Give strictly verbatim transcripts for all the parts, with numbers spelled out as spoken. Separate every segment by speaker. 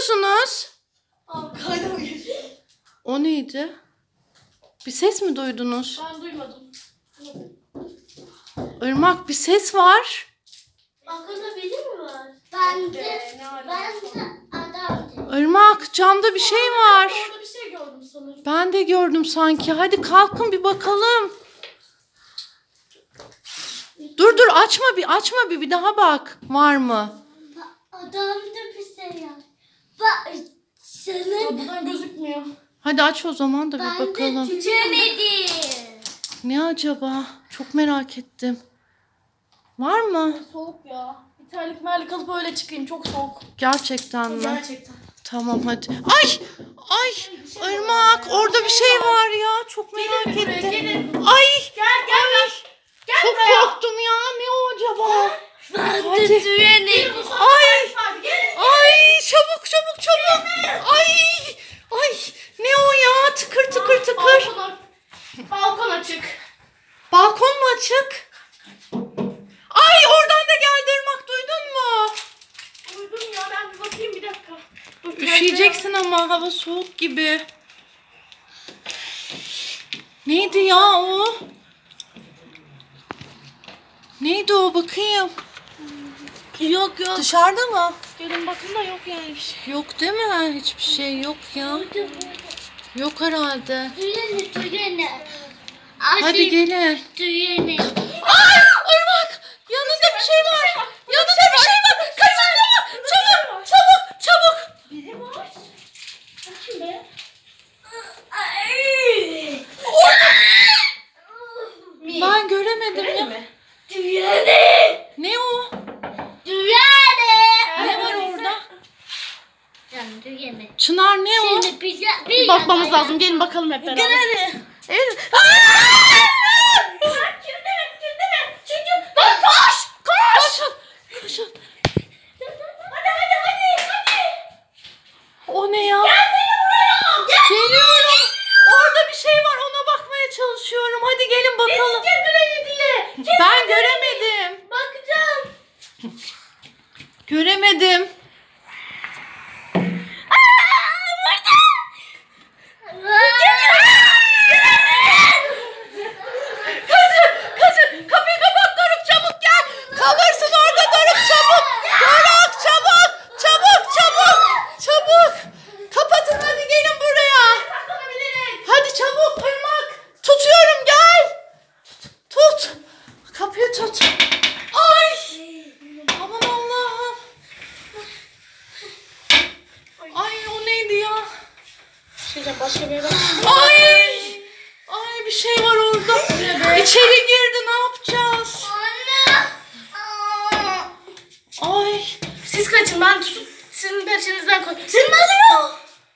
Speaker 1: yapıyorsunuz?
Speaker 2: Abi kayda geçiyor.
Speaker 1: O neydi? Bir ses mi duydunuz?
Speaker 2: Ben duymadım.
Speaker 1: Irmak, bir ses var.
Speaker 3: Arkada biri mi var? Ben de, ben de adam.
Speaker 1: Irmak, camda bir şey var.
Speaker 2: Orada bir şey gördüm sanırım.
Speaker 1: Ben de gördüm sanki. Hadi kalkın bir bakalım. Dur dur, açma bir, açma bir, bir daha bak. Var mı?
Speaker 3: Adamda bir şey var. Bak senin.
Speaker 2: Buradan gözükmüyor.
Speaker 1: Hadi aç o zaman da bir
Speaker 3: Ben
Speaker 1: bakalım.
Speaker 3: de tüyemedim.
Speaker 1: Ne acaba? Çok merak ettim. Var mı?
Speaker 2: Soğuk ya. Bir terlik merlik alıp öyle çıkayım. Çok soğuk.
Speaker 1: Gerçekten mi?
Speaker 2: Gerçekten.
Speaker 1: Tamam hadi. Ay! Ay! Irmak, orada bir şey var ya. Çok merak
Speaker 2: Gelin buraya,
Speaker 1: ettim.
Speaker 2: gelin.
Speaker 1: Ay!
Speaker 2: Gel gel gel. Gel
Speaker 1: Çok
Speaker 2: buraya.
Speaker 1: korktum ya. Ne o acaba?
Speaker 3: Ben
Speaker 1: Hadi.
Speaker 3: de tüyemedim.
Speaker 1: Ay!
Speaker 2: Hadi gelin.
Speaker 1: Ay! Çabuk çabuk çabuk. Ay! Ay! Ne o ya? Tıkır tıkır tıkır.
Speaker 2: Balkon, balkon açık.
Speaker 1: Balkon mu açık? Ay! Oradan da geldi Irmak. Duydun mu?
Speaker 2: Duydum ya, ben bir bakayım bir dakika. Dur,
Speaker 1: Üşüyeceksin ama hava soğuk gibi. Neydi ya o? Neydi o, bakayım.
Speaker 2: Yok yok.
Speaker 1: Dışarıda mı?
Speaker 2: Gelin bakın da yok yani bir şey.
Speaker 1: Yok değil mi? Hiçbir şey yok ya. Yok herhalde.
Speaker 3: Tüyene tüyene.
Speaker 1: Hadi gelin.
Speaker 3: Tüyene.
Speaker 1: Ay! Irmak! Yanında bir şey var. Yanında bir şey var. Kaçın ya! Çabuk! Çabuk! Çabuk!
Speaker 2: Biri var. Kim be?
Speaker 1: Ben göremedim ya.
Speaker 2: mi?
Speaker 3: Tüyene.
Speaker 1: Ne o?
Speaker 3: Tüyene.
Speaker 1: Ne var orada?
Speaker 3: Ben tüyene.
Speaker 1: Çınar, ne o?
Speaker 3: Şimdi bize
Speaker 2: Bir bakmamız lazım. Gelin bakalım hep beraber.
Speaker 1: Evet.
Speaker 2: Kimde mi? Kimde mi? Çünkü lan koş! Koş!
Speaker 1: Koşun! Koşun!
Speaker 2: Hadi hadi hadi hadi.
Speaker 1: O ne ya?
Speaker 2: Gelsene buraya.
Speaker 1: Geliyorum. Orada bir şey var, ona bakmaya çalışıyorum. Hadi gelin bakalım.
Speaker 2: Gel buraya diye. Gel.
Speaker 1: Ben göremedim.
Speaker 2: Bakacağım.
Speaker 1: Göremedim. Kaçın! Kapıyı kapat Doruk, çabuk gel. Kalırsın orada Doruk, çabuk. Doruk çabuk. Çabuk çabuk. Çabuk. Kapatın, hadi gelin buraya.
Speaker 2: Saklanabiliriz.
Speaker 1: Hadi çabuk Irmak. Tutuyorum, gel. Tut. Kapıyı tut. Ay. Aman Allah'ım. Ay o neydi ya?
Speaker 2: Şeyden başka bir yere bak.
Speaker 1: Ay. Ay bir şey var orada. İçeri girdi, ne yapacağız? Ay.
Speaker 2: Siz kaçın, ben tutup sizin peşinizden koy. Tırmalıyor.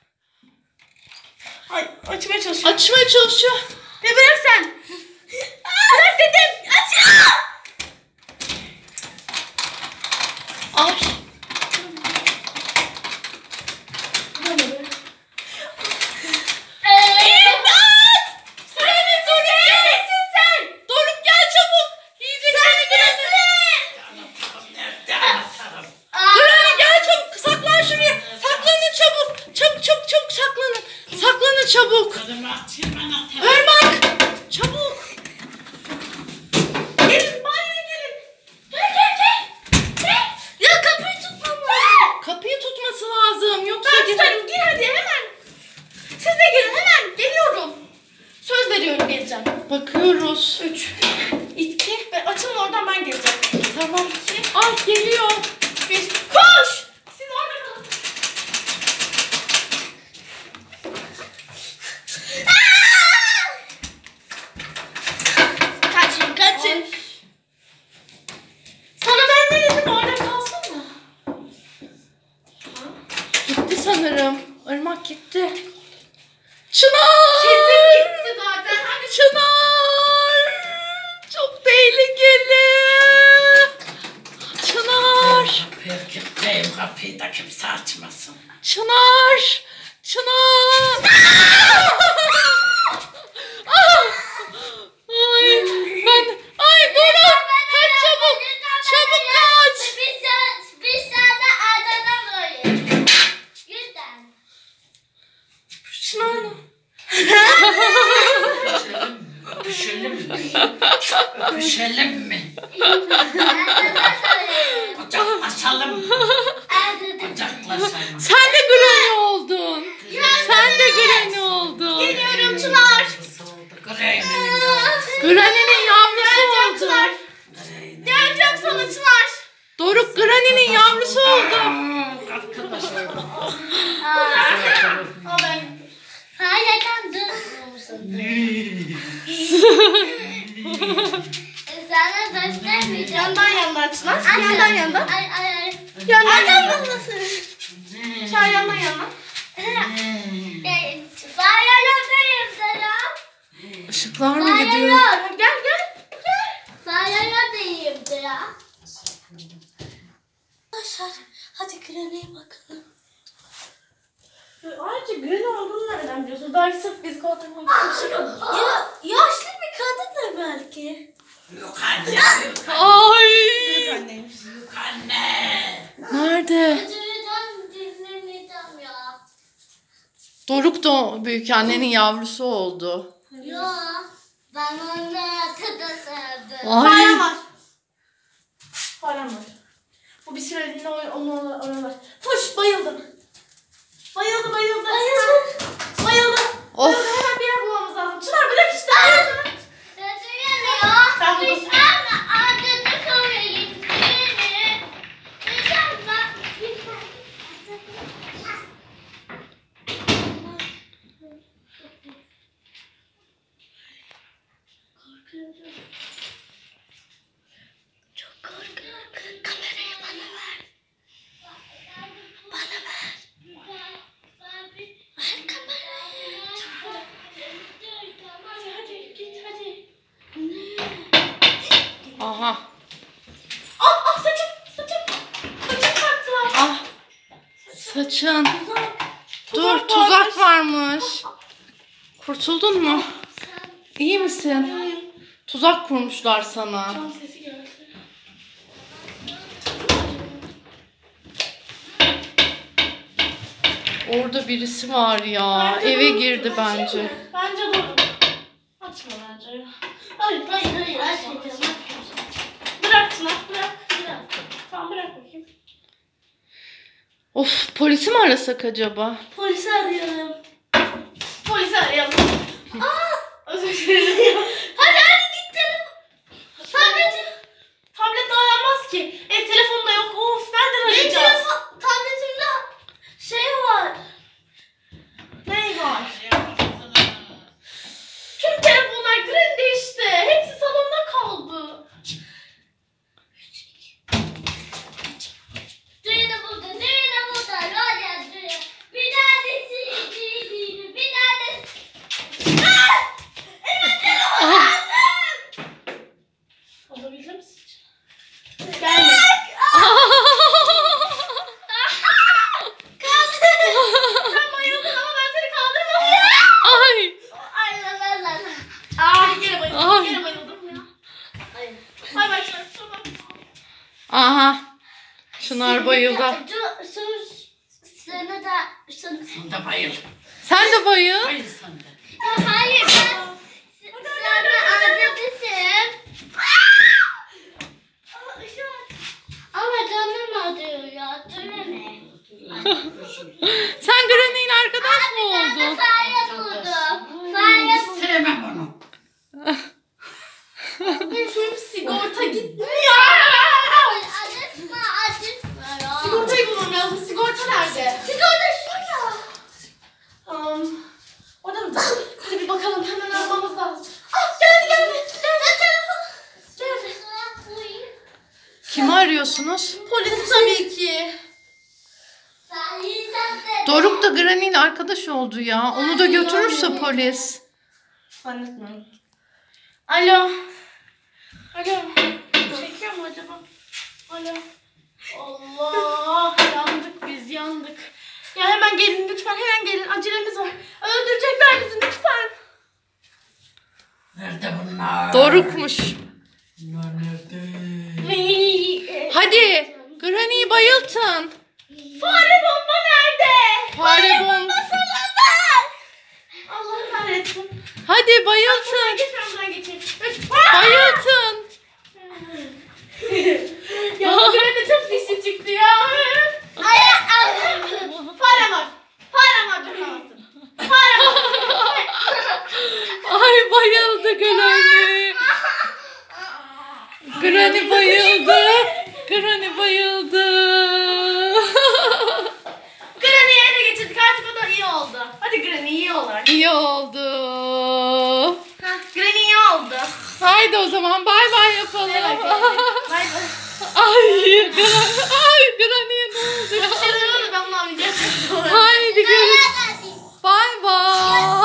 Speaker 2: Ay, açmaya çalışıyorum.
Speaker 1: Açmaya çalışıyor.
Speaker 2: Ne bırak sen? Bırak dedim. Aç.
Speaker 1: Ay. İmdat! Süreni Suri! Neredesin sen? Doruk gel çabuk. Yiyecek seni birini. Süreni gel çabuk. Saklan şuraya. Saklanın çabuk. Çabuk çabuk çabuk saklanın. Saklanın çabuk. Irmak. Çabuk.
Speaker 2: Gelin, banyoya gelin. Gel gel gel. Gel. Ya kapıyı tutmam lazım.
Speaker 1: Kapıyı tutması lazım. Yoksa
Speaker 2: Ben tutarım, gir hadi hemen. Siz de gelin hemen. Geliyorum. Söz veriyorum, geleceğim.
Speaker 1: bakıyoruz.
Speaker 2: Üç, iki ve açılın, oradan ben geleceğim.
Speaker 1: Tamam. Ay geliyor.
Speaker 2: Bir, koş. Siz orada kalın. Kaçın kaçın. Sana ben ne dedim, orada kalsın mı?
Speaker 1: Gitti sanırım. Irmak gitti. Çınar!
Speaker 2: Kesin gitti zaten. Hadi
Speaker 1: Çınar! Çok tehlikeli. Çınar!
Speaker 4: Kapıyı kilitleyeyim, kapıyı da kimse açmasın.
Speaker 1: Çınar! Çınar! Ah! Ay ben ay Doruk kaç çabuk. Çabuk kaç.
Speaker 3: Bir tane, bir tane adana koyayım. Bir
Speaker 4: Dövüşelim mi? Kucaklaşalım mı? Kucaklaşalım.
Speaker 1: Sen de Granny oldun. Sen de Granny oldun.
Speaker 2: Geliyorum Çınar.
Speaker 1: Granny'nin yavrusu
Speaker 2: Geleceğim
Speaker 1: oldu.
Speaker 2: Çınar. Geleceğim sana Çınar.
Speaker 1: Doruk Granny'nin yavrusu oldu.
Speaker 2: Al ben.
Speaker 3: Fareden durmuyorsun. Sana göstermeyeceğim.
Speaker 2: Yandan yandan Çınar. Yandan yandan.
Speaker 3: Ay ay ay.
Speaker 2: Yandan yandan. Çınar yandan yandan.
Speaker 3: Fareden sana.
Speaker 1: Işıklar mı gidiyor?
Speaker 2: Gel gel.
Speaker 3: Fareden ya.
Speaker 2: Arkadaşlar hadi Granny'e bakalım. Ayrıca Granny olduğunu nereden biliyorsun? Belki sırf biz kaldırmak için. Ya yaşlı bir kadın da belki.
Speaker 4: Yok anne.
Speaker 1: Ay.
Speaker 2: Büyük anneymiş.
Speaker 4: Yok anne.
Speaker 1: Nerede?
Speaker 3: Üzüleceğim, dinlemeyeceğim ya.
Speaker 1: Doruk da büyük annenin yavrusu oldu.
Speaker 3: Ya ben onu arkadaşlardım.
Speaker 1: Ay.
Speaker 2: Farem var. Farem var. Bu bir süreliğine onu oralar. Fuş bayıldım. Bayıldı bayıldı. Bayıldı. Bayıldı.
Speaker 1: Of.
Speaker 2: Bayıldı. Hemen bir yer bulmamız lazım. Çınar bırak işte.
Speaker 3: Üzülüyor.
Speaker 2: Ben
Speaker 3: Biz
Speaker 2: buldum.
Speaker 3: ama arkadaş olayım seni. İnşallah. Çok korkuyorum. Kamerayı bana ver. Bana ver. Ver kamerayı.
Speaker 2: Hadi git hadi.
Speaker 1: Aha.
Speaker 2: Ah ah saçım saçım. Saçım kalktılar.
Speaker 1: Ah. Saçın. Dur,
Speaker 2: Tuzak
Speaker 1: tuzak varmış. Kurtuldun mu? İyi misin? Tuzak kurmuşlar sana.
Speaker 2: Tam sesi geldi.
Speaker 1: Orada birisi var ya. Eve girdi bence.
Speaker 2: Bence doğru. Açma bence ya. Hayır hayır hayır açmayacağım. Bırak Çınar bırak. Bırak. Tamam bırak bakayım.
Speaker 1: Of, polisi mi arasak acaba?
Speaker 2: Polisi arayalım. Polisi arayalım. Aa! Özür dilerim. Hadi hadi git telefon. Tabletim. Tablet aranmaz ki. E telefon da yok. Of nereden arayacağız? Benim telefon, tabletimde şey var. Ne var? Tüm telefonlar Granny'de işte. Hepsi salonda kaldı.
Speaker 3: Düğünü burada, düğünü burada. Roller düğünü. Bir tanesi düğünü, bir tanesi.
Speaker 2: Olabilir misin? Gelme. Sen bayıldın ama ben seni kaldırmadım.
Speaker 1: Ay.
Speaker 3: Ay la la la la.
Speaker 2: Aa gene bayıldım.
Speaker 1: Ay.
Speaker 2: Gene bayıldım ya. Bay bay Çınar. Şuradan.
Speaker 1: Aha. Çınar bayıldı.
Speaker 3: Sana da, sana.
Speaker 4: Sen de bayıl.
Speaker 1: Sen de bayıl.
Speaker 4: Bayıl sen de.
Speaker 3: Ya hayır ben sana anlatırsın. Ama canım acıyor ya, döneme.
Speaker 1: Sen Granny'nin arkadaş mı
Speaker 3: Ben de
Speaker 1: oldun?
Speaker 3: fare buldum. Fare buldum.
Speaker 4: Sevmem onu.
Speaker 2: Benim sigorta gitmiyor.
Speaker 3: Acıtma, acıtma ya.
Speaker 2: Sigortayı bulmam lazım. Sigorta nerede?
Speaker 3: Sigorta şurada.
Speaker 2: Um, orada mı? Hadi bir bakalım. Hemen aramamız lazım. Ah geldi geldi. Geldi telefon. Geldi.
Speaker 1: Kimi arıyorsunuz?
Speaker 2: Polis tabii ki.
Speaker 1: Doruk da Granny'nin arkadaş oldu ya. Onu da götürürse polis.
Speaker 2: Zannetmiyorum. Alo. Alo. Çekiyor mu acaba? Alo. Allah. Yandık biz yandık. Ya hemen gelin lütfen. Hemen gelin. Acelemiz var. Öldürecekler bizi lütfen.
Speaker 4: Nerede bunlar?
Speaker 1: Dorukmuş.
Speaker 4: Bunlar nerede?
Speaker 1: Hadi Granny'yi bayıltın.
Speaker 2: Fare bomba nerede?
Speaker 1: Fare bomba.
Speaker 2: Allah kahretsin.
Speaker 1: Hadi bayıltın.
Speaker 2: Geç ben buradan geçeyim.
Speaker 1: Bayıltın. Granny bayıldı. Granny bayıldı.
Speaker 2: Granny'yi ele geçirdik artık o da iyi oldu. Hadi Granny iyi olarak.
Speaker 1: İyi oldu.
Speaker 2: Heh, Granny iyi oldu.
Speaker 1: Haydi o zaman bay bay yapalım.
Speaker 2: Evet, evet. Bay bay.
Speaker 1: Ay, Granny, ay Granny'ye ne oldu ya?
Speaker 2: Şurada ben bunu oynayacağım.
Speaker 1: Haydi görüşürüz. Bay bay.